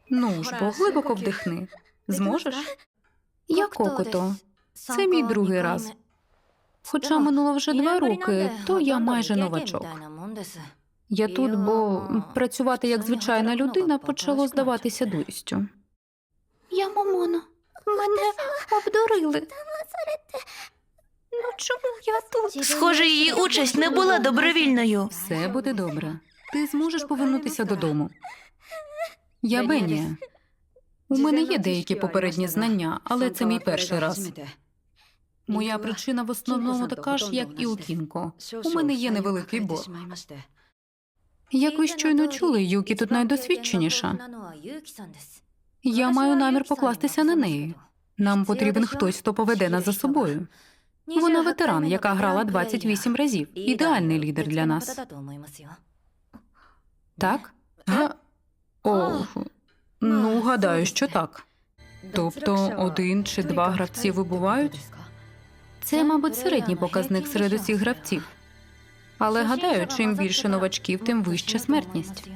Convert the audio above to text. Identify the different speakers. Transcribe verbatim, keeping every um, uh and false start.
Speaker 1: Ну ж бо, глибоко вдихни. Зможеш? Я Кокото. Це мій другий раз. Хоча минуло вже два роки, то я майже новачок. Я тут, бо працювати як звичайна людина почало здаватися дурістю. Я Момоно. Мене обдурили. Ну чому я тут?
Speaker 2: Схоже, її участь не була добровільною.
Speaker 1: Все буде добре. Ти зможеш повернутися додому. Я Бенія. У мене є деякі попередні знання, але це мій перший раз. Моя причина в основному така ж, як і у Кінко. У мене є невеликий борг. Як ви щойно чули, Юкі тут найдосвідченіша. Я маю намір покластися на неї. Нам потрібен хтось, хто поведе нас за собою. Вона ветеран, яка грала двадцять вісім разів. Ідеальний лідер для нас. Так? Га? О, ну, гадаю, що так. Тобто один чи два гравці вибувають? Це, мабуть, середній показник серед усіх гравців. Але, гадаю, чим більше новачків, тим вища смертність.